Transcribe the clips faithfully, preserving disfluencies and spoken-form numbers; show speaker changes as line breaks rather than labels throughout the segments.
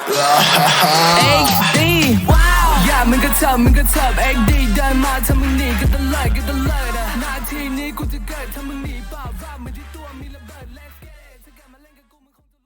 เอ็กดีอย่ามึงก็เถิบมึงก็เถิบเอ็กดีเดินมาถ้ามึงหนีก็ตะเลิดก็ตะเลิดนาทีนี้กูจะเกิดถ้ามึงหนีเปล่าว่ามันที่ตัวมีระเบิด Let's get it ถ้ากลับมาเล่นกับกูมึงคงจะ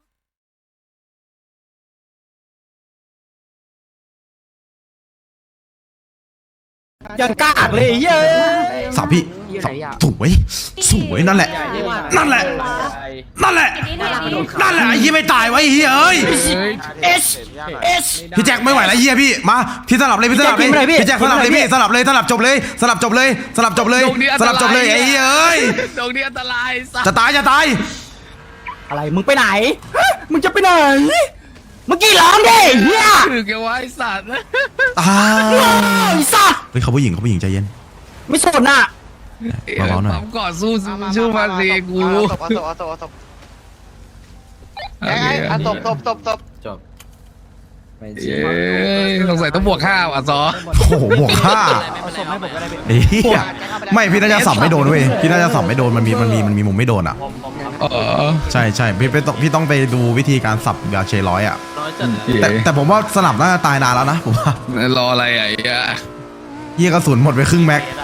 ยังกากเลยเยอะ
สาวพี่สาวสวยสวยนั่นแหละนั่นแหละนั่นแหละนั่นแหละไอ้เหี้ยไม่ตายวะไอ้เหี้ยเอ้ยเอสเอสพี่แจ็คไม่ไหวแล้วเหี้ยพี่มาพี่สลับเลยพี่สลับเลยพี่แจ็คสลับเลยพี่สลับเลยสลับจบเลยสลับจบเลยสลับจบเลยสลับจบเลยไอ้เหี้ยเอ้ย
ตรงนี้อันตราย
จะตายจะตาย
อะไรมึงไปไหนมึงจะไปไหนเมื่อกี้ร้องดิเฮีย
คือแกว่าไอ้สัตว์
ตาย
ไอ้สัส
เฮ้ยเขาผู้หญิงเขาผู้หญิงใจเย็น
ไม่สนอ่ะ
เบาๆหน่อย
ปั๊มก่อนสู้สู้มาสิกู
ตบเอาตบเอาตบเอาตบไอ้ไอ้เอาตบตบตบตบ
จบ
เย้สงสัยต้องบวกข้าวอ่ะซอ
โอ้โหบวกห้าไอ้เหี้ยไม่พี่น่าจะสับไม่โดนเว้ยพี่น่าจะสับไม่โดนมันมีมันมีมันมีมุมไม่โดนอ่ะ
เออ
ใช่ใช่พี่พี่ต้องพี่ต้องไปดูวิธีการสับยาเชร้อยอ่ะ แต่
แต่
แต่ผมว่าสนับน่าจะตายนานแล้วนะผมว่าร
ออะไรอ่ะไอ้เหี้ย
เหี้ยกระสุนหมดไปครึ่งแม็ก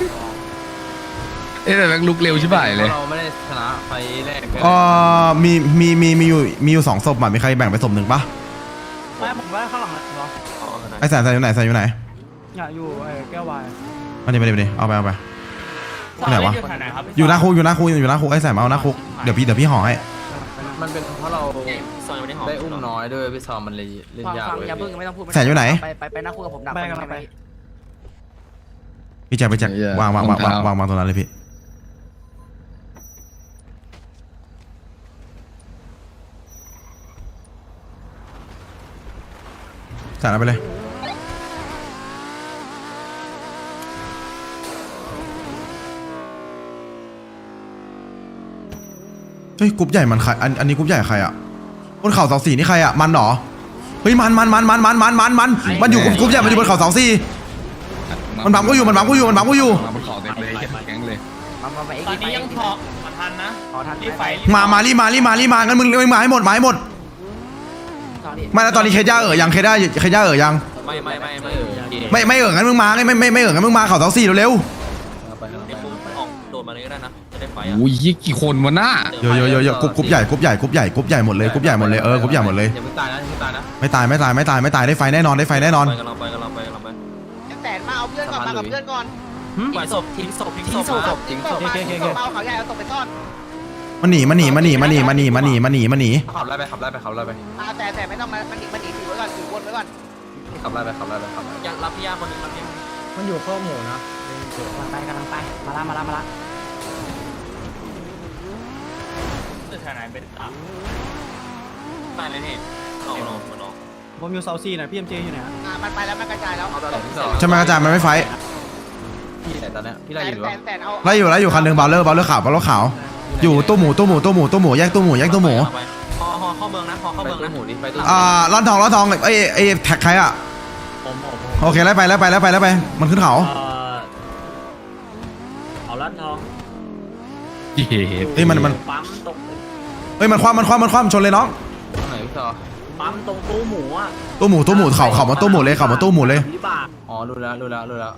เอ๊ะแต่แม่งลุกเร็วใช่ไหมเลย
เราไม่ได้ชนะไฟแรก
ก็มีมีมีมีอยู่มีอยู่สองศพอ่ะมีใครแบ่งไปศพหนึ่งปะ
ไม่ผมว่าข้างหลังนะเนาะ
ไอ้แสนแสนอยู่ไหนแสนอยู่ไหน
อยากอยู่ไอ้แก้ววาย
มาดิมาดิมาดิเอาไปเอาไปที่ไหนวะอยู่หน้าคุกอยู่หน้าคุกอยู่หน้าคุกไอ้แสนมาเอาหน้าคุกเดี๋ยวพี่เดี๋ยวพี่ห่อให้
มันเป็นเพราะเราได้อุ้มน้อยด้วยพี่ซอมมันเลยเล่นยากเลย
อย่าเพิ่งไม่ต้องพูด
แสนอยู่ไหน
ไปไปไปนั่งคุยกับผมดัก
ไปกันไป
พี่แจ็คพี่แจ็ควางวางวางวางวางวางตรงนั้นเลยพี่แสนเอาไปเลยเฮ้ยกรุ๊ปใหญ่มันใครอันอันนี้กรุ๊ปใหญ่ใครอ่ะบนเขาเสาสี่นี่ใครอ่ะมันเหรอเฮ้ยมันมันมันมันมันมันมันมันมันอยู่กรุ๊ปใหญ่มันอยู่บนเขาเสาสี่มันบังก็อยู่มันบังก็อยู่มันบังก็อยู่
มาบนเขาเต็มเลยแก๊งเลย
มามาไปเอ็ก
ตอน
ซ์
นี้ยังพอมาทันนะ
ขอทัน
รีบไฟ
มามารีมารีมารีมางั้นมึงมึงมาให้หมดมาให้หมดไม่แล้วตอนนี้เคย่าเอ๋อยังเคย่าเคย่าเอ๋อยัง
ไม่ไม่ไม่ไม่
ไม่ไม่เอ๋องั้นมึงมาไม่ไม่ไม่ไม่เอ๋องั้นมึงมาเขาเสาสี่เร็ว
ไปเดี๋ยวมึงออกโดดมาเลยก็ได้นะจะได้ไฟ
โอ้ยยี่กี่คนวะหน้า
ๆเยอะเยอะเยอะเยอะกรุ๊ปกรุ๊ปใหญ่กรุ๊ปใหญ่กรุ๊ปใหญ่กรุ๊ปใหญ่หมดเลยกรุ๊ปใหญ่หมดเลยเออกรุ๊ปใหญ่หมดเลย
อย่าเพิ่งตายนะอย่าเพิ่งตายนะ
ไม่ตายไม่ตายไม่ตายไม่ตายได้ไฟแน่นอนได้ไฟแน่นอน
ไปกันเราไปกันเราไปกันเราไป
แสนมาเอาเพื่อนก่อนมากับเพื่อนก่อน
ปล่อยศพทิ้งศพทิ้ง
ทิ้ง
ศ
ศ
พ
พทิ้งศพมาทิ้งศพเอาเขาใหญ่เอาศพไปซ่อน
มันหนีมันหนีมันหนีมันหนีมันหนีมันหนีมันหนีมันหนี
ขับไล่ไปขับไล่ไปขับไล่ไป
มาแต่แต่ไม่ต้องมามันหนีมันหนีถือไว้ก่อนถือวนไว้ก่อน
ขับไล่ไปขับไล่ไปขับยังรับพี่ยาคนนึงรับพี่
มันอยู่ข้อหมูนะ
กำลังไปกำลังไปมาละมาละมาละ
จะทนายเป็นตาม
ตายเลยนี่ออกออกมันออก
ผมอยู่เซาซีนะพี่เอ็มเจอยู่ไหน
อ่ามันไปแล้วมันกระจายแล้ว
ใช่ไหมอาจารย์มันไม่ไฟ
พี่แต่ตอนนี้พี่ไล่
แส
อน ยู่หรือ
แส
เปล่าน
แสนเอา
ไล่อยู่ไล่อยู่คันหนึ่งบาลเลอร์บาลเลอร์ขาวบาลเลอร์ขาวอยู่ตู้หมูตู้หมูตู้หมูตู้หมูแยกตู้หมูแยกตู้หมู
พอเข้าเมืองนะพอเข้าเมืองนะหมูดิไปตู้
อ่าร้อนทองร้อนทองไอ้ไอ้แท็กใครอ่ะโอเคไล่ไปไล่ไปไล่ไปไล่ไปมันขึ้นเขา
เอาลัดทอง
เย้
เฮ้ยมันมัน
ปั๊มตรง
เฮ้ยมันคว่ำมันคว่ำมันคว่ำชนเลยน้อง
ตรงไหนพี่ซอ
ปั๊มตรงตู้หมูอ่ะ
ตู้หมูตู้หมูเข่าเข่ามาตู้หมูเลยเข่ามาตู้หมูเลย
วิบาก
อ๋อรู้แล้วรู้แล้วรู้แล้ว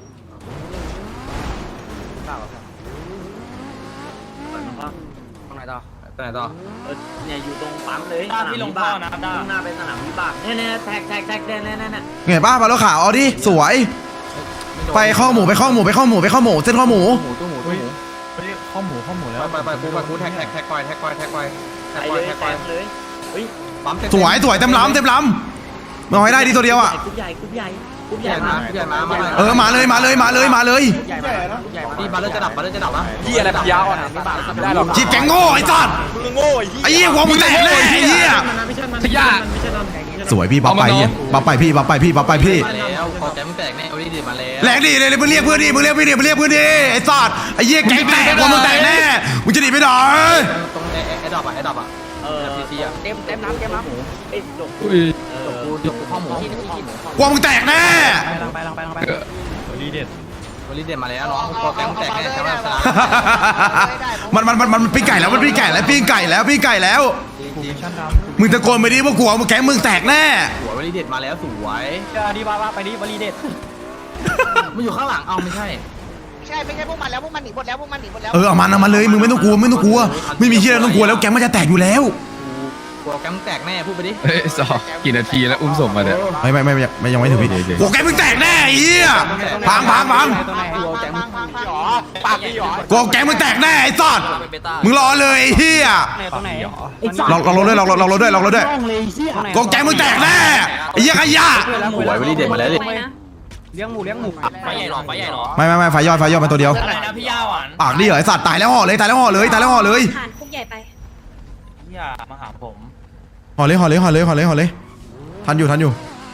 ตรงไหนต่อ
ไปไหนต่อ
เนี่ยอยู่ตรงปั๊มเลยสนามวิบากนะด้านหน้าเป็นสนามวิบากเนี่ยเนี่ยแท็กแท็กแท็กเนี่ยเนี่ยเนี่ย
เห็นป่ะบาลเลอร์ขาวเอาดิสวยไปข้อหมูไปข้อหมูไปข้อหมูไปข้อหมูเส้นข้อหมู
หมูตู้หมูตู้หมู
ข้อหมูข้อหมูแล้ว
ไปไปไปกูไปกูแท็กแท็กแท็กไปแท็กไปแท็กไปแท็
ไป
กไป
เลย
แท็กไป
แท็กเลยเฮ้ย
ปั๊ม
สวยสวยเต็มลำเต็มลำมาให้ได้ดีตัวเดียวอ่ะ
กรุ๊ปใหญ่กรุ๊ปใหญ่กรุ๊ป
ให
ให
ญ่
ญ่
มา
มา
ใหญ่มามา
เออมาเลยมาเลยมาเลยมาเลย
ใหญ่มาใหญ่มา
พี่บาเลอร์จะดับบาเลอร์จะดับนะ
พี่อะไรปัญญาอ่อนไม่ได้หรอก
จีบแกงโง่ไอ้สัสไอ้เหี้ยหัวมึงแตกเลยไอ้เหี้ย
ขยะ
สวยพี่บัฟไปเหี้ยบัฟไปพี่บัฟไปพี่บัฟไปพี่
มาแล้วคอแกมึงแตกแน่เอาดิดิมาแล้ว
แรงดีเลยมึงเรียกเพื่อนดิมึงเรียกพี่ดิมึงเรียกเพื่อนดิไอ้สัสไอ้เหี้ยแกงแตกหัวมึงแตกแน่มึงจะหนีไปไหน
ตรงไอ้ไอ้ดอกอ่ะไอ้ดอกอ่ะ
เออ
ทีทีอ่ะ
เต็มเต็มน้ำเต็มน้ำ
ไอ้ดก
อุ้ย
จบกูจบกูข้อหมู
หัวมึงแตกแน่
ไปลังไปลังไปลังไป
วอลลี่เด่นมาแล้วน้องคอแกมึงแตกแน่ใช่ไหมสนาม
มันมันมันมันปิ้งไก่แล้วมันปิ้งไก่แล้วปิ้งไก่แล้วปิ้งไก่แล้ว
จริง
มึงตะโกนไปดิว่ากลัวมึงแกงมึงแตกแน่
หัววลีเด็ดมาแล้วสวย
ดีบ้าบ้าไปดิวลีเด็ด
มันอยู่ข้างหลังเอาไม่ใช่
ไม่ใช่ไม่ใช่พวกมันแล้วพวกมันหนีหมดแล้วพวกมันหนีหมดแล้ว
เออเอามันเอามันเลยมึงไม่ต้องกลัวไม่ต้องกลัวไม่มีเชี่ยอะไรต้องกลัวแล้วแก๊งมันจะแตกอยู่แล้ว
กลัวแกมแตกแน่พูดไปดิ
เฮ้ยสองกี่นาทีแล้วอุ้มศพมาเนี่ย
ไม่ไม่ไม่ไม่ไม่ยังไม่ถึงพี่โอ้แก๊งมึงแตกแน่ไอ้เหี้ยพังพังพัง
พังพังพังพังหรอปากดีหรอ
กูแก๊งมึงแตกแน่ไอ้สัตว์มึงรอเลยไอ้เหี้ย
ตรงไหน
ลองลองรถด้วยลองลองรถด้วยลองรถด้วยกูแก๊งมึงแตกแน่ไอ้เหี้ยขยะ
สวยวลีเด็ดมาแล้วดิ
เลี้ยงหมูเลี้ยงหมู
ไฟใหญ่หรอไฟใหญ่หรอ
ไม่ไม่ไม่ไฟยอดไฟยอดมาตัวเดียว
อะไรนะพี่ย่าหวาน
ปากดีเหรอไอ้สัตว์ตายแล้วห่อเลยตายแล้วห่อเลยตายแล้วห่อเลย
ผ่านคุกใหญ่ไป
พี่ย่ามาหาผม
ห่อเลยห่อเลยห่อเลยห่อเลยห่อเลยทันอยู่ทันอยู่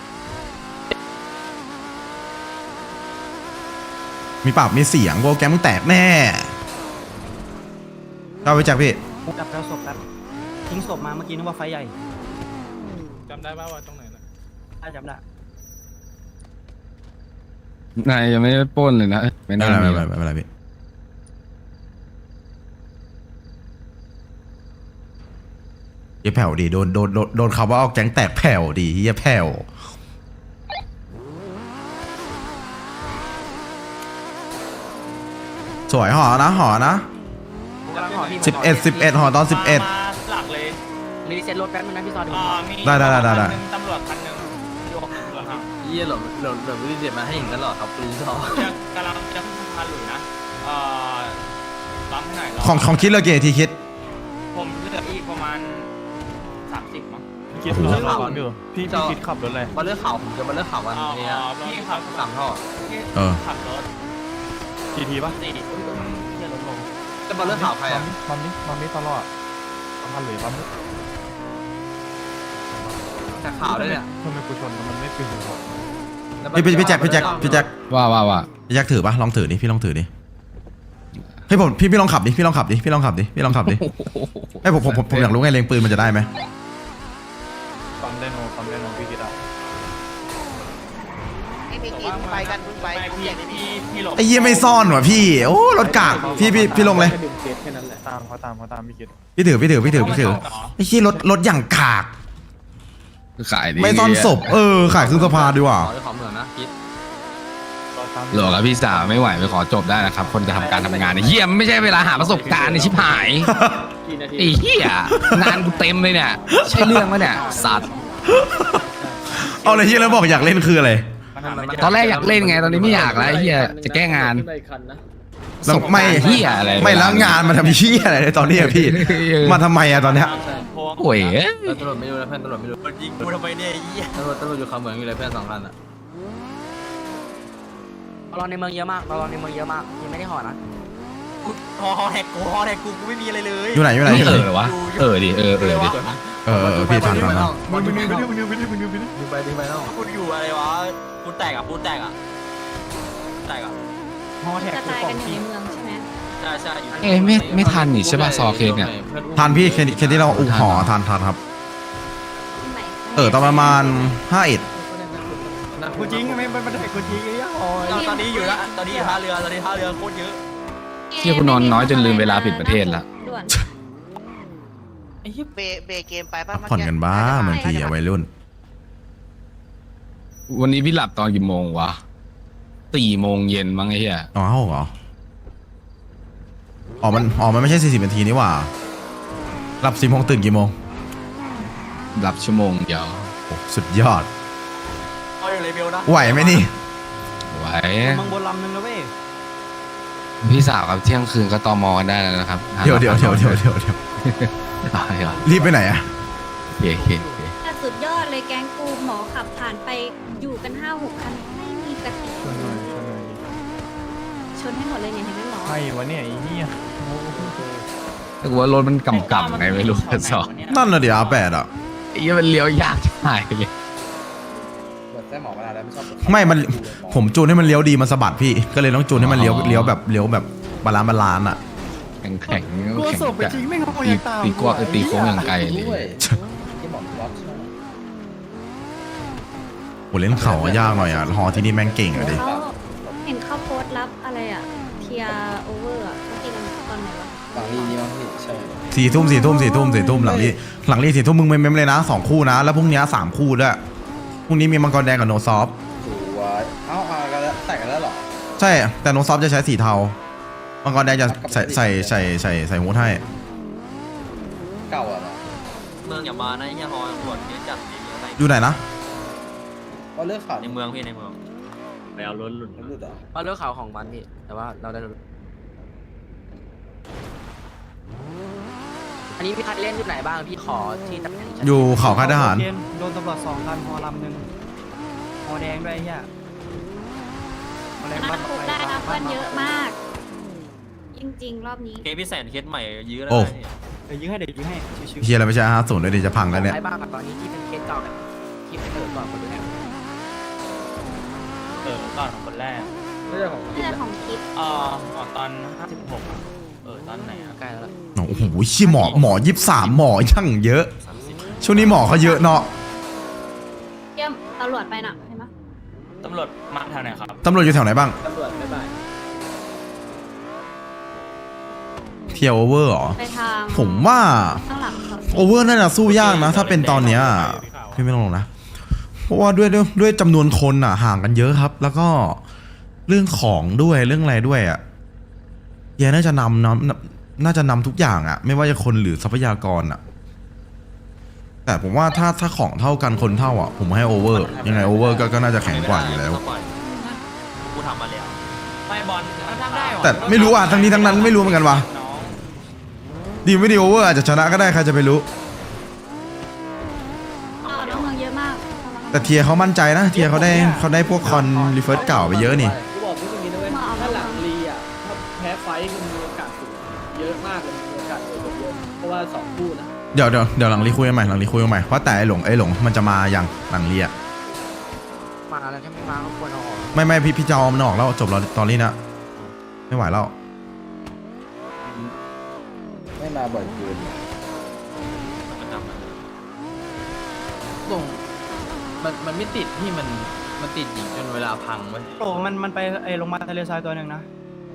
มีปากมีเสียงกูแก๊งมึงแตกแน่เอาไปจากพี่
จับแล้วศพครับทิ้งศพมาเมื่อกี้นึกว่าไฟใหญ่
จำได้ป่าวว่าตรงไหนนะ
ได้จำได้
นายยังไม่ได้ปล้นเลยนะไม่
ไม่
น่า
เป็น
มี
ไรไม่เป็นไรไม่เป็นไรพี่เฮียแผ่วดีโดนโดนโดนโดนคำว่าเอาแก๊งแตกแผ่วดีเฮียแผ่วสวยห่อนะห่อนะสิบเอ็ดสิบเอ็ดห่อตอนสิบเอ็ด
หลักเลย
รีเซ็ตรถแป๊บนึงนะพี่ซอดู
อ่ามี
ได้ได้ได้ได้ได้
ตำรวจคันหนึ่งยกตำรวจครับ
เยี่ยหลบหลบหลบลีเด็ดมาให้เห็นตลอดครับปืนซอ
กำลังจะพาหลุยนะเอ่อปั๊มให้หน่อยร
ของของคิดเลยเกทีคิด
ผมเหลืออีกประมาณสามสิบมั้ง
คิดรถขับอยู่พี่พี่คิดขับรถอะไรมาเลือกข่าวผมจะมาเลือกข่าววัน
อ๋อ
นี้
พี่ขับ
สามท่อ
เออ
ขับรถ
กี่ทีป่ะ
สี่เที่ยวรถลง
จะมาเลือกข่าวใครอ่ะ
ปั๊มนี้ปั๊มนี้ตลอดปั๊มหรือปั๊ม
แต่ข่าวด้วยเนี่ย
ทำไมกูชนมันไม่ตื่น
พี่พี่พี่แจ็คพี่แจ็คพี่แจ็ค
ว่าว่าว่า
พี่แจ็คถือปะลองถือดิพี่ลองถือดิเฮ้ยผมพี่พี่ลองขับดิพี่ลองขับดิพี่ลองขับดิพี่ลองขับดิไอ้ยผมผมผมผมอยากรู้ไงเลงปืนมันจะได้ไหม
ปั๊มไดโนปั๊มไดโนพี่คิดอ่ะ
ไอ้พี่กินไปกันมึงไป
ไปพี่พี่พี่หลบ
ไอ้เหี้ยไม่ซ่อนว่ะพี่โอ้รถกากพี่พี่พี่ลงเลย
ตามเขาตามเขาตามพี่คิด
พี่ถือพี่ถือพี่ถือพี่ถือไอ้เหี้ยรถรถอย่างกาก
ขายดี
ไม่ซ่อนศพเออขายครึ่งสภาดีกว่า
ขอขอเหมือนนะคิด
หลอกพี่สาวไม่ไหวไปขอจบได้นะครับ คนจะทำการทำงานเนี่ยเยี่ยมไม่ใช่เวลาหาประสบการณ์ในชิบหายไอ้เหี้ยงานกูเต็มเลยเนี่ยใช่เรื่องมั้ยเนี่ยสัตว์
เอาเลยเหี้ยแล้วบอกอยากเล่นคืออะไร
ตอนแรกอยากเล่นไงตอนนี้ไม่อยากแล้วไอ้เหี้ยจะแก้งาน
แล้วไม่
เหี้ยอะไร
ไม่แล้วงานมันทำเหี้ยอะไรในตอนนี้อะพี่มาทำไมอะตอนเนี้ย
โอ้ย
ตำรวจไม่รู้นะเพื่อนตำรวจไม่รู้
ยิงกูทำไมเนี่ยไอ้เหี้ย
ตำรวจตำรวจอยู่เขาเหมืองอยู่เลยเพื่อนสองคันอ่ะ
รอในเมืองเยอะมากรอในเมืองเยอะมากยังไม่ได้ห่อนะ
ฮอฮอแท็กกูฮอแท็กกูกูไม่มีอะไรเลย
อยู่ไหนอยู่ไหน
ไม่
อยู่
เอ
ไหน
อวะเออดิเออเออดิ
เออเออเออพี่ทันทันทัน
มันดึงไปดึงไปดึงไปดึงไปดึงไปดึงไปแล้ว
กูอยู่อะไรวะกูแตกอ่ะกูแตกอ่ะแตกอ่ะ
ห่อแท็ก
กระจายกันอยู่ในเมืองใช่ไหม
ใช่ใช่อยู่
เอ้ยไม่ไม่ทันนี่ใช่ป่ะซอเคสเนี่ย
ทันพี่เคนเคนที่เราอุ้ห่อทันทันครับ
ไหน
เออตอนประมาณห้าเอ็ด
กูจริงไม่ไม่ได้กูจริงไอ้ย่าห่อ
ตอนนี้อยู่ละตอนนี้อยู่ท่าเรือตอนนี้ท่าเรือโคตรเยอะ
เที่ยกูนอนน้อยจนลืมเวลาปิดประเทศละ
ด่วน
เบเบเกมไปป่ะ
ผ่อนกันบ้าบางทีอะวัยรุ่น
วันนี้พี่หลับตอนกี่โมงวะสี่โมงเย็นมั้งไอ้เหี้ย
อ๋อเหรออ๋อมันอ๋อมันไม่ใช่สี่สิบนาทีนี่หว่าหลับสี่โมงตื่นกี่โมง
หลับชั่วโมงเดียว
โอ้สุดยอด
เอาอยู่เลเวลนะ
ไหวไหมนี่
ไหว
เมืองบนลำนึงแล้วเว้ย
พี่สาวกับเที่ยงคืนก็ตอมอกันได้แล้วนะครับ
เดี๋ยวเดี๋ยวเดี๋ยวเดี๋ยวเดี๋ยวเดี๋ยว
ตายเหรอ
รีบไปไหนอะ
เฮ้ยเฮ้ยเฮ้ย
แต่สุดยอดเลยแก๊งกูหมอขับผ่านไปอยู่กันห้าหกคันไม่มีกระติกชนให้หมดเลยเนี่ยเห็นไหมหมอ
ใช่วะเนี่ยไอ้เหี้ยแต่ว่ารถมันกำกำไงไม่รู้กันสอง
นั่นน่ะเดี๋ยวอาแปดอะ
ไอ้เหี้ยมันเลี้ยวยากชิบหายเลย
ไม่มันผมจูนให้มันเลี้ยวดีมันสะบัดพี่ก็เลยต้องจูนให้มันเลี้ยวเลี้ยวแบบเลี้ยวแบบบาลานซ์บาลานซ์อะ
แข็งแข็งแข็งจะตีตีกวกตีโค้งอย่างไกลเลย
โหเล่นเข่าอะยากหน่อยอะฮอที่นี่แม่งเก่งอะดิ
เขาเห็นเขาโพสต์รับอะไรอ่ะเทียโอเวอร์อ่ะเขาตีกันตอนไหนวะ
ฝั่งนี้นี่มั้งพี่ใช่
สี่ทุ่มสี่ทุ่มสี่ทุ่มสี่ทุ่มหลังนี้หลังนี้สี่ทุ่มมึงเมมๆเลยนะสองคู่นะ แล้วพรุ่งนี้สามคู่ด้วยพรุ่งนี้มีมังกรแดงกับโนซอฟ
สวยเอ้าเอากันแล้วแต่งกันแล้วเหรอ
ใช่แต่โนซอฟจะใช้สีเทามังกรแดงจะใส่ใส่ใส่ใส่ใส่ฮูดให้
เก่าอ่ะเหรอ
เมืองอย่ามานะอย่าฮอตำรวจเยอะจัดเลยอะไร
อยู่ไหนนะ
ก็เลือกข่าว
ในเมืองพี่ในเมืองไปเอารถหลุด
มันหลุดเหรอ
เอาเรื่องข่าวของมันพี่แต่ว่าเราได้รถอันนี้พี่คัดเล่นอยู่ไหนบ้างพี่ขอที่ตำแหน่ง
อยู่เขาค่ายทหาร
โดนตำรวจสองคันฮอลำหนึ่งฮอแดงด้วยไอ้เหี้ยฮอแดง
น่า
บ้าน
คุกได้นะเพื่อนเยอะมาก จริงๆ รอบนี้
เคสพี่แสนเคสใหม่ยื้อแล้ว
โอ้
เดี๋ยวยิงให้เดี๋ยวยิงให้ชิว
เฮียอะไรไม่ใช่ห้าศูนย์เลยดิจะพังแล้วเนี่ย
ใครบ้างตอนนี้ที่เป็นเคสเก่าแบบที่เป็นเปิดก่อนคนแรกเออก่อนคนแรก
ไม่ใช่ของ
เพื่อนของคิด
อ๋อตอนห้าสิบหกเออตอนไหนใกล้แล้ว
โอ้โหเชี่ยหมอหมอยี่สามหมอช่างเยอะ ช่วงนี้หมอเขาเยอะเนาะ
เยี่ยมตำรวจไปน่ะเห็นไหม
ตำรวจมาแถวไหนครับ
ตำรวจอยู่แถวไหนบ้าง
ตำรวจไม่บ่าย
เทียโอเวอร์เหรอ
ไปทาง
ผมว่า
ข้างหลังเขา
โอเวอร์น่าจะสู้ยากนะ ถ้าเป็นตอนเนี้ยพี่ไม่ต้องลงนะ เพราะว่าด้วยด้วยด้วยจำนวนคนอ่ะห่างกันเยอะครับ แล้วก็เรื่องของด้วยเรื่องอะไรด้วยอ่ะเฮียน่าจะนำนำน่าจะนำทุกอย่างอ่ะ ไม่ว่าจะคนหรือทรัพยากรอ่ะ แต่ผมว่าถ้าถ้าของเท่ากันคนเท่าอ่ะ ผมให้โอเวอร์ยังไงโอเวอร์ก็ก็น่าจะแข็งกว่าอยู่แล้ว
กูทำมาแล้วไม่บอลทำได้
แต่ไม่รู้อ่ะทั้งนี้ทั้งนั้นไม่รู้เหมือนกันว่ะดีไม่ดีโอเวอร์อาจจะชนะก็ได้ใครจะไปรู้
อ๋อน้องเมืองเยอะมาก
แต่เทียเขามั่นใจนะเทียเขาได้เขาได้พวกคอนรีเฟิร์สเก่าไปเยอะนี่
กูบอกพี่ตรงนี้นะเว้ยถ้าหลังรีอ่ะถ้าแพ้ไฟท์มันมีโอกาสสูงเยอะมากเลยมีโอกาสเกิดเยอะเพราะว่าสองคู่นะ
เดี๋ยวเดี๋ยวเดี๋ยวหลังรีคุยกันใหม่หลังรีคุยกันใหม่เพราะแต่ไอหลงไอหลงมันจะมาอย่างหลังรีอะ
มาแล้วถ้าไม่มาก็ควรเอาออก
ไม่ไม่พี่พี่จะเอามันออกแล้วจบแล้วตอนนี้นะไม่ไหวแล้ว
ไม่มาบ่อยเกิน ส่งมันมันไม่ติดที่มันมันติดหญิงจนเวลาพังเว้ย
ๆโอ้มันมันไปไอ้ลงมาลทะเลทรายตัวหนึ่งนะ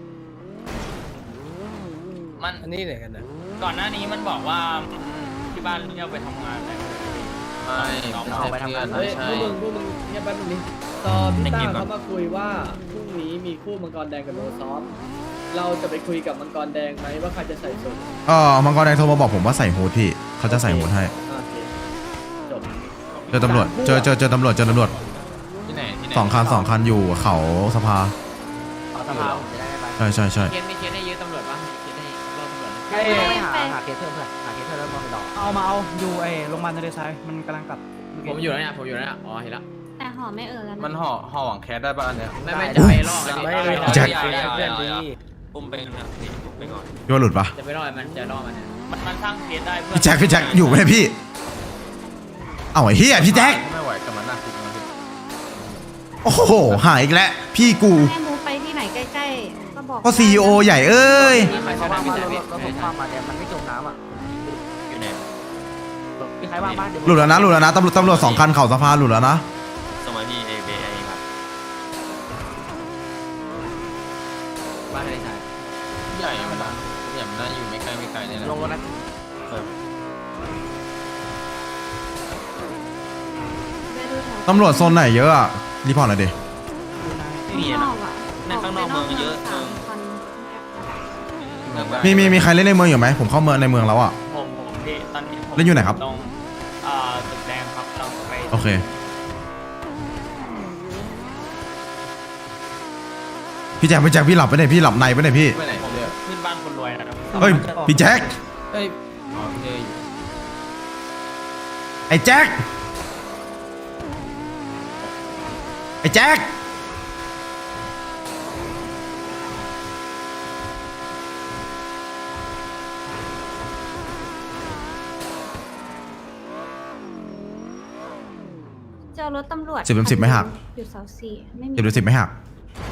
มัน
อันนี้ไหนกันนะ
ก่อนหน้านี้มันบอกว่าที่บ้านเรียกไปทำงานแต่
ไม่
น้อง
ไม่
เอา
ใช่
ไปทำงาน
เพื่อน
เฮ้ย
ไม่
พ
ใช่
วกมึงพวกมึงเนี่ยแป๊บนึงนี่ตอพี่ต้าเขามาคุยว่าพรุ่งนี้มีคู่มังกรแดงกับโนซอฟเราจะไปคุยกับมังกรแดงไหมว่าใครจะใส่สูท
เออมังกรแดงโทรมาบอกผมว่าใส่ฮูดพี่เขาจะใส่ฮูดให้
โอเคจบ
เจอตำรวจเจอเจอเจอตำรวจเจอตำรวจ
ที่ไหนที่ไหน
สองคันสองคันอยู่เขาสภา
เอาสภาจะได้ไป
ใช่ใช่ใช่
เคสมีเคสให้ยืมตำรวจบ้างมีเคสให้รอตำรวจ
เอ้ย
ไม่หาหาเคสเพิ่มเพื่อนหาเคสเพิ่มแล้วมองไปรอ
เอามาเอาอยู่ไอ้ลงมาลทะเลทรายมันกำลังกลับ
ผมอยู่แล้วเนี่ยผมอยู่แล้วเนี่ยอ๋อเห็นแล้ว
แต่หอไม่เออแล้ว
มันห่อห่อหวังแคสได้ป่ะอันเนี้ย
ไม่ไม่จะไปรอกันดิ
ไม่เลย
แจ็ค
เพื่อนดีอุ้มไปเนี่ยนี่อุ้มไปก่อน
พี่ว่าหลุดปะ
จะไปรอมันจะรอมันเนี่ยมันมันสร้างเคสได้เพื่อน
พี่แจ็คพี่แจ็คอยู่ไหมพี่เอาไอ้เฮียพี่แจ็ค
ไม่ไหวกับมันน่าคุกนะพี่
โอ้โหหายอีกแล้วพี่กู
ให้มูไปที่ไหนใกล้ๆ ก็บอก
ก็ซีอีโอใหญ่เอ้ย
ใครว่างบ้านรถรถผมความมาเนี่ยมันไม่จมน้ำอ่ะอยู่ไหนมีใครว่างบ้านเดี๋ยว
หลุดแล้วนะหลุดแล้วนะตำรวจตำรวจสองคันเข่าสภาหลุดแล้วนะ
สมัยพี่เอเบไอครับบ้านอะไรใช่
ใหญ่มันนะใหญ่มันน่าอยู่ไม่ไกลไม่ไกลเนี่ยแหละ
ลงรถนะ
ไปดูแถว
ตำรวจโซนไหนเยอะอะรีพอร์ตหน่อยดิ
ไม่มี
น
นะ
อกอ่ะ
ในข้างนอกเมืองเยอะ
สามพัน
มีมีมีใครเล่นในเมืองอยู่ไหมผมเข้าเมืองในเมืองแล้วอะ
ผมผมที่ตอนนี้ผม
เล่นอยู่ไหนครับ
ตรงอ่าตึกแดงครับเราไป
โอเคพี่แจ็คพี่แจ็คพี่หลับไปไหนพี่หลับในไปไหนพี่
ไปไหน
ผม
เนี่ย
ขึ้นบ้านคนรวยนะครับ
เฮ้ยพี่แจ็ค
เอ้ยอ๋อโอเคอยู่
ไอ้แจ็คไอ้แจ็ค
เจอรถตำรวจ
สิบเป็นสิบไม่หัก
อยู่เสาสี่ไม่มี
เดี๋ยวดูสิบไม่หัก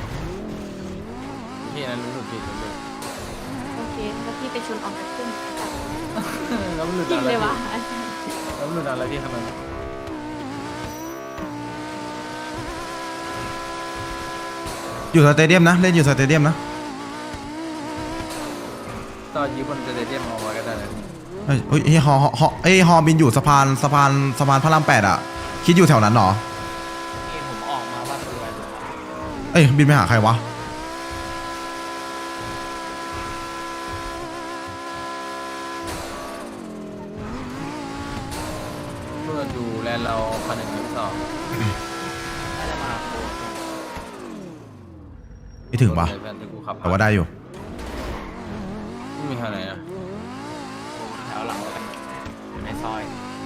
พี่นั้นรู้สึกผิดเลย
โอเคแล้วพี่ไปชนออกจากขึ้น
แล้วมันหลุด
จริง
อะไร
เลยวะ
แล้วมันหลุดอะไรที่ทำไม
อยู่สเตเดียมนะเล่นอยู่สเตเดียมนะ
ตอนยืมบนสเตเดียมเอาไว้ก็ได้นะ
เฮ้ยเฮ้ยฮอฮอฮอเอ้ยฮอบินอยู่สะพานสะพานสะพานพระรามแปดอะคิดอยู่แถวนั้นเหรอเอ้ยบินไปหาใครวะ
เมื่อดูแลนด์เราคันหนึ่งคันสอง
ไม่ถึงปะ
แฟนที่กูขับ
แต่ว่าได้อยู่
ไม่มีคันไหนอะ
แถวหลังเลยอยู่ในซอย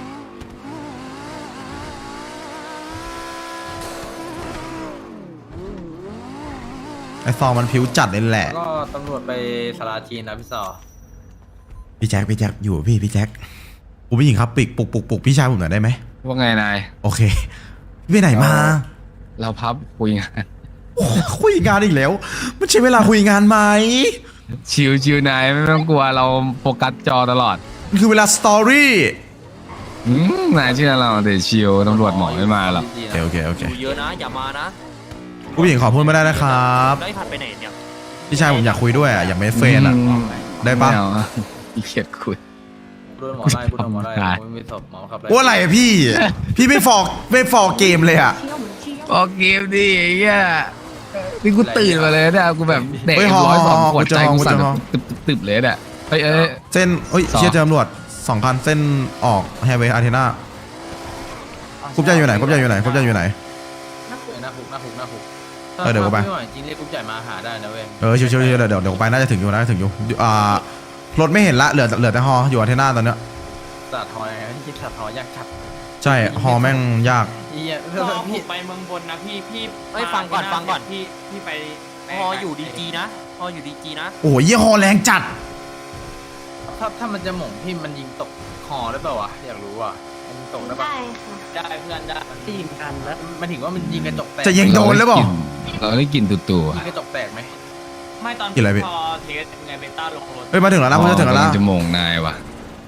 ไอซองมันผิวจัดเลยแหละ
ก็ตำรวจไปสาราจีนนะพี่สอ
พี่แจ็คพี่แจ็คอยู่พี่พี่แจ็คผมผู้หญิงครับปิกปลุกปลุกปลุกพี่ชายผมหน่อยได้ไหม
ว่าไงนาย
โอเคพี่ไปไหนมา
เราพับคุยงาน
โอ้คุยงานอีกแล้วมันใช้เวลาคุยงานไหม
ชิวชิวนายไม่ต้องกลัวเราโฟกัสจอตลอด
มันคือเวลาสตอรี่
อืมนายเชื่อเราแต่ชิวตำรวจหมอไม่มาหรอก
โอเคโอเคโอเค
เยอะนะอย่ามานะ
ผู้หญิงขอพูดไม่ได้นะครับ
ได้ผัดไปไหนเนี่ย
พี่ชายผมอยากคุยด้วยอ่ะอยากเป็นเฟรนด์อ่ะ
อืม
ได้ปะ
ม่เอาอะขี้เกียจคุย
โดนหมอไล่กูโดนหมอไล่
ได้
กูไม่มีศพหมอขับไล่
ว่าอะไรอะพี่ พี่ไม่ฟอกไม่ฟอกเกมเลยอ่ะ
ออกเกมดิไอ้เหี้ยนี่กูตื่นมาเลยเนี่ยกูแบบเด็ก
เฮ้ยฮอ
ร้อยสอง
ฮอ
ขวดใจ
กู
กู
จะ
สั่น
ฮอ
ตึบตึบตึบเลยเนี่ยเฮ้ยเอ้ย
เส้นเอ้ย
สอง
เชียร์เจอตำรวจสองคันเส้นออกไฮเวย์อาร์เทน่ากรุ๊ปใหญ่อยู่ไหนกรุ๊ปใหญ่อยู่ไหนกรุ๊ปใหญ่อยู่ไหน
หน้าคุกหน้าคุกหน้าคุก
เออเดี๋ยวกูไป
ถ้าม่หจริงเรียกกุ๊กใหญ่มาหาได้นะเว้ย
เออชิวๆๆเดี๋ยวเดี๋ยวเดี๋ยวไปน่าจะถึงอยู่น่าจะถึงอยู่อ่ารถไม่เห็นละเหลือเหลือแต่ฮออยู่อาร์เทน่าตอนเนี้ย
สัตว์หอยที่สัตว์หอยยากจัด
ใช่ฮอแม่งยาก
เฮีย
พอ
พี่
ผมไปเมืองบนนะพี่พี่
เอ้ยฟังก่อนฟังก่อน
พี่พี่ไปพออยู่ดีจีนะพออยู่ดีจีนะ
โอ้ยยี่ฮอแรงจัด
ถ้าถ้ามันจะหม่งพี่มันยิงตกคอได้เปล่าวะอยากรู้อ่ะมันยิงตกได้ปะ
ได้ค่ะ
ได้เพื่อนได้
ตีมกันแล้ว
มันถึงว่ามันยิงกระจกแตก
จะยิงโดนหรือเปล่า
เราได้กลินตุ่ๆ
ยิ
อะ
งกระจกแตกไหม
ไม่ตอน
กี่อะไรพี่
พอเทสไงเบต้าลงรถ
เฮ้ยมาถึงแล้วนะผมจะถึงแล้วนะ
จะโมงนายว่ะ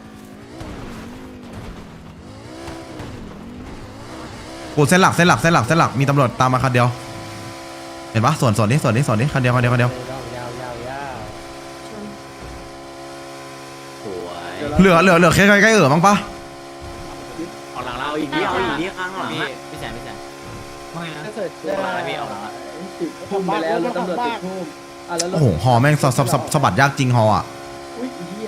กูเส้นหลักเส้นหลักเส้นหลักเส้นหลักมีตำรวจตามมาคันเดียว เห็นปะส่วนส่วนนี้ส่วนนี้ส่วนนี้คันเดียวคันเดียวคันเดียวย
าวยาวยาวยาว
สวย
เหลือเหลือเหลือแค่ใกล้ๆเออมั้งปะ
ออกหลังเราเอาอีอีกกนินิดดเอา เอาอีอีกกนินิดดข้างหลังพี่พี่แสนพี่แสนว่าไงนะ
ถ้าเกิด
ออกหลังแล้วพี่ออกหลังแล้ว
ติดพุ่มไปแล้วแล้วตำรวจติดพุ่มอ่ะแล้วรถ
โอ้โหฮอแม่งสะสะสะสะบัดยากจริงฮออ่ะ
อุ้ยอีเหี้ย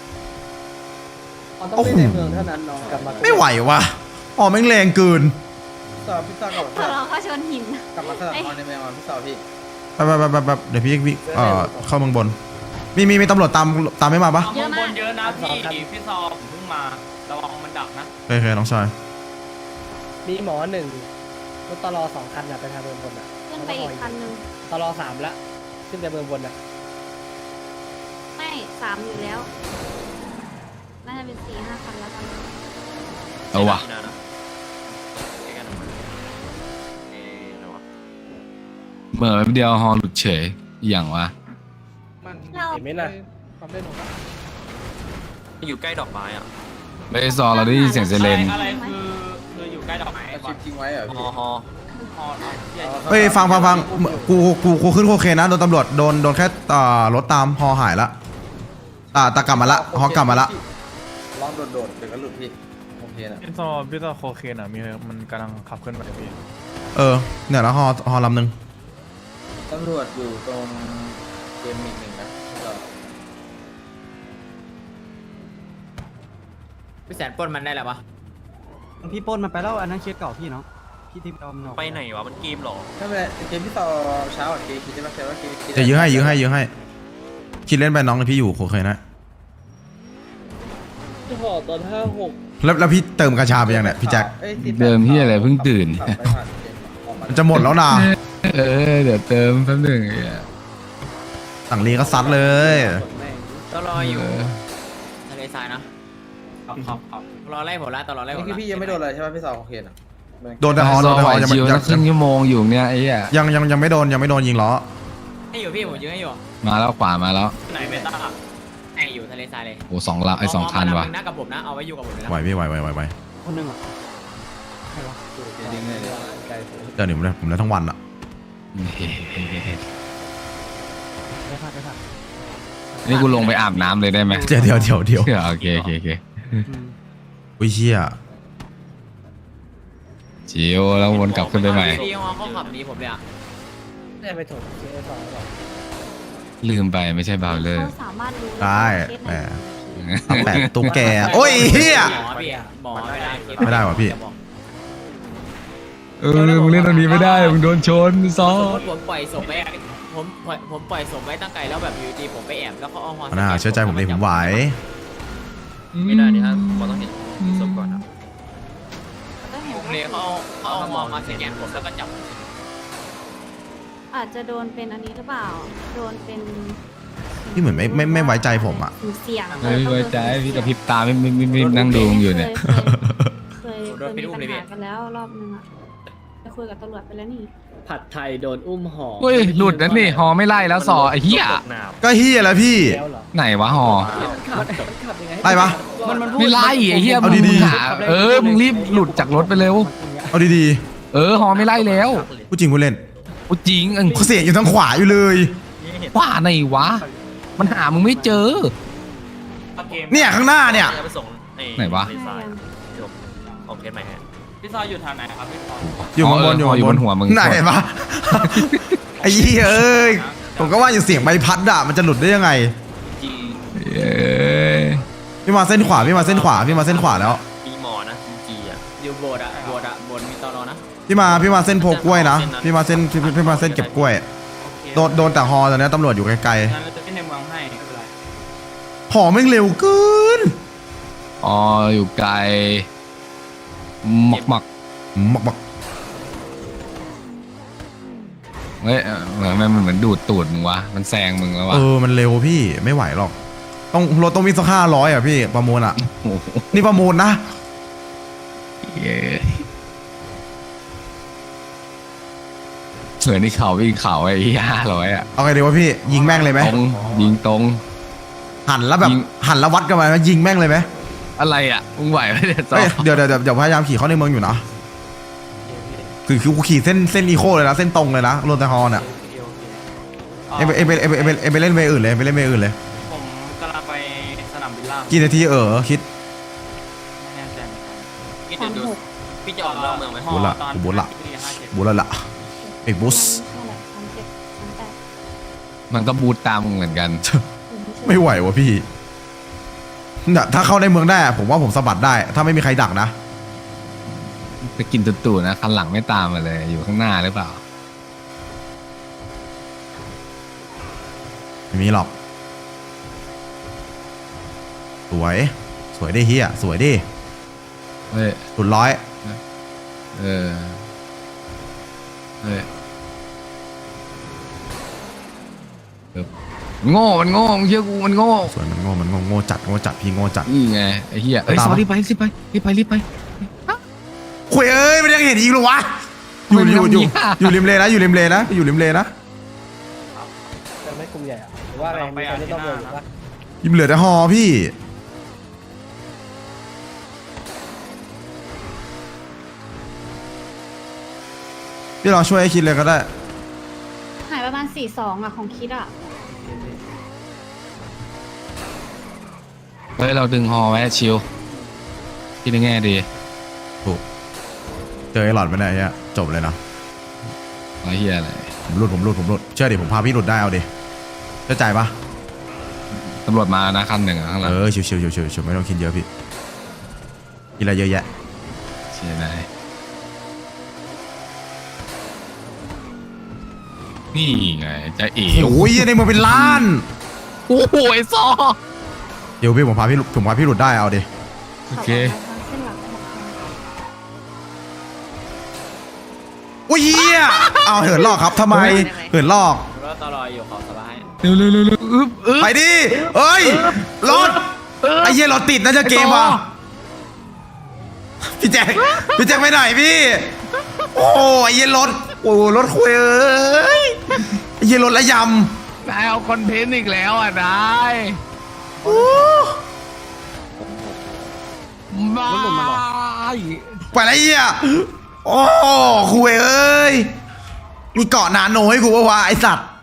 เอาต้องเล่นในเมืองเท่านั้นน้องกลับมา
ไม่ไหววะฮอแม่งแรงเกิน
สอบพี่สอบกับ
พอเราเข้าชนหิน
กลับมาสลับออนในแมวพี่สอบพี่
ไปไปไปไปไปเดี๋ยวพี่พี่เอ่อเข้าเมืองบน มีมีมีตำรวจตามตามไม่มาปะ
เยอะมากเยอะนะพี่พี่ซอผมเพิ่งมาระวังมันดักนะ
โอเคน้องชาย
มีหมอหนึ่งรถตลอสองคันอะไปทางเมืองบนอะ
ขึ้นไปอีกคันนึง
ตลอสามละขึ้นไปเมืองบนอะ
ไม่สามอยู่แล้ว น่าจะเป็นสี่ห้าคันแล้วกัน
เอาว่ะ
ไม่นานนะเจอกันนะเอ๊ะอะไรวะ
เมื่อแป๊บเดียวฮอหลุดเฉยอหย่างวะ
เรา
เห็นไหมน่ะ
อยู่ใกล้ดอกไม้อ่ะ
ไม่ได้ซอเราได้ยินเสียงเซเลน
อะไรคือคืออยู่ใกล้ดอกไม้
ชิปทิ้งไว้เหรอ
ฮ
พี่
อฮอฮอใหญ่
เฮ้ยฟังฟังฟังกูกูกูขึ้นโคเคนนะโดนตำรวจโดนโดนแค่อ่ารถตามฮอหายละอ่าตากลับมาละฮอกลับมาละ
ลองโดดๆเดี๋ยวก็หลุดพี่โอเคนะ
พี่ซอพี่ซอโคเคนอ่ะมีมันกำลังขับขึ้นไปพี่
เออเนี่ยแล้วฮอฮอลำหนึ่ง
ตำรวจอยู่ตรงเกมมิกหนึ่งนะพี่สอบ
พี่แสนปล้นมันได้แล้วปะ
พี่ปนมันไปแล้วอันนั้นเคสเก่าพี่เนาะพี่ทิพย์เอามันออก
ไปไหนวะมันเกมหรอ
ถ้าเป็นเกมพี่ต่อเช้าอ่ะเกมคิดได้ไหมว่าเกมคิด
จะยื้อให้ยื้อให้ยื้อให้คิดเล่นไปน้องเลยพี่อยู่โคเคนนะ
จะหอตอนห้าหก
แล้วแล้วพี่เติมกระชาไปยังเนี่ยพี่แจ็ค
เดิมที่อะไรเพิ่งตื่น
มันจะหมดแล้วนะ
เออเดี๋ยวเติมแป๊บหนึ่งไอ้เหี้ย
สั่งลีก็ซัดเลย
ตลออยู่
เออ
ทะเลทรายนะครับครับรอไล่ผมละตลอไล่ผม
นี่คือพี่ยังไม่โดนเลยใช่ไหมพี่สาวโอเคนะ
โดนแต่ฮอโดนแต่ฮอยังไม่
ชิว
ยั
สั
ง
กครึ่งชั่วโมงอยู่เนี่ยไอ้เหี้ย
ยังยังยังไม่โดนยังไม่โดนยิงล้อ
ให้อยู่พี่ผมยืนให้อยู่
มาแล้วขวามาแล้ว
ไหนเบต้าให้อยู่ทะเลทรายเลย
โอ้สองละไอ้สองคันว่ะ
นะกับผมนะเอาไว้อยู่กับผมเลยนะ
ไหวพี่ไหวไหวไหวไหว
คนหนึงอ่ะ
ยิงเลย
เดี๋ยวหนิผมเลยผมเลยทั้งวันอะ
ได้ค่ะได้ค่ะ
นี่กูลงไปอาบน้ำเลยได้ไหม
เดี๋ยวเดี๋ยวเดี๋ยวเดี๋ยว
โอเคโอเคโอเค
อืม
อุ้ยเชี่ย
ชิวแล้ววนกลับขึ้นไปใหม่
พี่ฮอเขาขับหนีผมเลยอ่ะ
ไอน่าจะไปถมเคสสองก่อน
ลืมไปไม่ใช่บาวเลอร์
เขาสามารถรู้
ได้
เคส
แห
ไหน
มทำแบบตุ๊กแกโอ้ยเฮีย
หมอพี่หมอไม่ได้
ไม่ได้ว่ะพี่
เออมึงเล่นตรงนี้ไม่ได้มึงโดนชนซอ
สมมติผมปล่อยศพไว้ผมปล่อยผมปล่อยศพไว้ตั้งไกลแล้วแบบอยู่ดีผมไปแอบแล้วเขาเอาฮอ
น่าเชื่อใจผมเลยผมไหว
ไม่ได้นี่ครับ
ผมต้องเห็นศพก่อนครับ
ก็เห็น
เลยเขาเอาเขาเอาฮอมาสแกนผมแล้วก็จับ
อาจจะโดนเป็นอันนี้หรือเปล่า โดนเป็น
พี่เหมือนไม่ไม่ไม่ไว้ใจผมอะ
เสี่ยง
ไม่ไว้ใจพี่กระพริบตาไม่ไม่ไม่ไม่นั่งดูมึงอยู่เนี่ย
เคยเคยเคยมีปัญหากันแล้วรอบนึงอะไปคุยกับตำรวจไปแล้วนี่
ผัดไทยโดนอุ้มห่อ
เฮ้ยหลุดนั่นนี่ฮอไม่ไล่แล้วซอไอ้เหี้ย
ก็เฮียแล้วพี่
แล้วเหรอ
ไหนวะฮอ
มันขับมันขับยังไง
ไล่ปะ
มันมัน
ไม่ไล่ไอ้เหี้ย
เอา
มึง
ดีๆ
หาเออมึงรีบหลุดจากรถไปเร็ว
เอาดี
เออฮอไม่ไล่แล้ว
ๆพูดจริงพูดเล่น
โอ้จริงเออ
เขาเสียงอยู่ทางขวาอยู่เลย
ว่าไหนวะ มันหามึงไม่เจอ
เนี่ยข้างหน้าเนี่ย
จะไปส่ง
ไหนวะ
โอเคไหมฮะพี่ซอยอยู่ทางไหนครับพี่ซอย
อยู่ข้างบน
อ๋อเอออยู่บนหัวมึง
ไหนเห็นปะ ไอ้เหี้ยเอ้ยผมก็ว่าอยู่เสียงใบพัดอะมันจะหลุดได้ยังไง
เอ้ย
พี่มาเส้นขวาพี่มาเส้นขวาพี่มาเส้นขวาแล้ว
มีหมอนะจีอ่ะอยู่โบสถ์อ่ะโบสถ์อ่ะโบสถ์มีตอนอนะ
พี่มาพี่มาเส้นโพกล้วยนะพี่มาเส้นพี่พี่มาเส้นเก็บกล้วยโดนโดนแต่ฮอตอนนี้ตำรวจอยู่ไกล
งั้นเราจะขึ้นในเมืองให้ไม่เป็นไร
ๆหอแม่งเร็วเกิน
อ๋ออยู่ไกลหมักหมัก
มักมัก
เฮ้ยเออเหมือนมันเหมือนดูดตูดมึงวะมันแซงมึงแล้ววะ
เออมันเร็วพี่ไม่ไหวหรอกต้องรถต้องมีสักห้าร้อยอ่ะพี่ประมูลอ่ะ
โอ้โห
นี่ประมูลนะ
เย้เหมือนที่เขาวิ่งเขาไอ้ห้าร้อยอ่ะ
เอาไงดีวะพี่ยิงแม่งเลยไหม
ตรงยิงตรง
หันแล้วแบบ
ยิง
หันแล้ววัดกันไปไหมยิงแม่งเลยไหม
อะไรอ่ะมึงไหวไหมเนี่ยซอ
เอ้ยเดี๋ยวเดี๋ยวเดี๋ยวเดี๋ยวพยายามขี่เข้าในเมืองอยู่นะคือคือกูขี่เส้นเส้นอีโคเลยนะเส้นตรงเลยนะรถแต่ฮอเนี่ยเอ็มเอ็มเอ็มเอ็มเอ็มไปเล่นเวอื่นเลยไปเล่นเวอื่นเลย
ผมกำลังไปสนามบินล่าง
กี่นาทีเออคิด
ไม่แน่ใจพี่จะดูพี่จะออกนอกเมืองไหม
บุญละกูบุญละบุญละละไอ้บุส
นั่นแหละสามเจ็ดสามแปด
มันก็บูตตามมึงเหมือนกัน
ไม่ไหววะพี่เนี่ยถ้าเข้าในเมืองได้อะผมว่าผมสะบัดได้ ถ้าไม่มีใครดักนะ
ไปกินตู่ๆนะคันหลังไม่ตามมาเลยอยู่ข้างหน้าหรือเปล่า
ไม่มีหรอกสวยสวยดิเฮียสวยดิ
เฮ้ย
สุดร้อย
เออเฮ้ยเออโง่มันโง่มึงเชื่อกูมันโง่
สวยมันโง่มันโง่โง่จัดโง่จัดพี่โง่จัด
นี่ไงไอ้เหี้ยเอ้ย
ตาม
ซอ
ปะ
รีบไปรีบไปรีบไปรีบไป
คุยเอ้ยมันยังเห็นอีกเหรอวะอยู่อยู่อยู่อยู่ริมเลนะอยู่ริมเลนะอยู่ริมเลนะ
จะไม่กลุ่มใหญ่อะหรือว่าอะไรมีใครเล่นต้องเบอร์หรือว่า
ยิมเหลือแต่ฮอพี่พี่ลองช่วยให้คิดเลยก็ได้
หายประมาณสี่สองอะของคิดอะ
เฮ้ยเราดึงฮอไว้ชิวคิดในแง่ดี
ถูกเจอไอ้หลอดไปไหนเนี่ยจบเลยนะ
ไอ้เหี้ยอะไร
ผมหลุดผมหลุดผมหลุดเชื่อดิผมพาพี่หลุดได้เอาดิเชื่อใจปะ
ตำรวจมานะคันหนึ่งอะข้างหลั
เอง อชิวชิวชิวชิวชิวไม่ต้องคิดเยอะพี่กินอะไรเยอะแยะ
เชียร์ไหนนี่ไงจะเอ๋
โอ้ยในเมืองเป็นล้าน
โอ้โหไอ้ซอ
เดี๋ยวพี่ผมพาพี่หลุดผมพาพี่หลุดได้เอาดิ
โอเค
ขับออกมาทางเส้นหลักของทาง
โอ้ยเหี้ยเอาเหินลอกครับทำไมเหินลอก
รถตลออยู่ขอสบาย
เร็วเร็วเร็วเร็วอึ๊บอึ๊บ
ไปดิเอ้ยรถไอ้เหี้ยรถติดน่าจะเกมว่ะพี่แจ็คพี่แจ็คไปไหนพี่ โอ้ยไอ้เหี้ยรถโอ้รถคุยเอ้ยไอ้เหี้ยรถละย
นายเอาคอนเทนต์อีกแล้วอ่ะนาย
ำโอ้
มา
ไปไรเหี้ยโอ้คุยเอ้ยมีเกาะนาโนให้กูปะวะไอสัตว์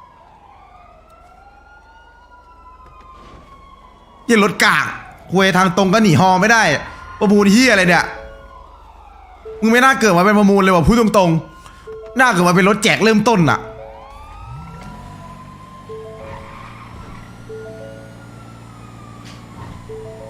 เหี้ยรถกากคุยทางตรงก็หนีฮอไม่ได้ประมูลเหี้ยอะไรเนี่ยมึงไม่น่าเกิดมาเป็นประมูลเลยว่ะพูดตรงๆน่าเกิดมาเป็นรถแจกเริ่มต้นอะ
เ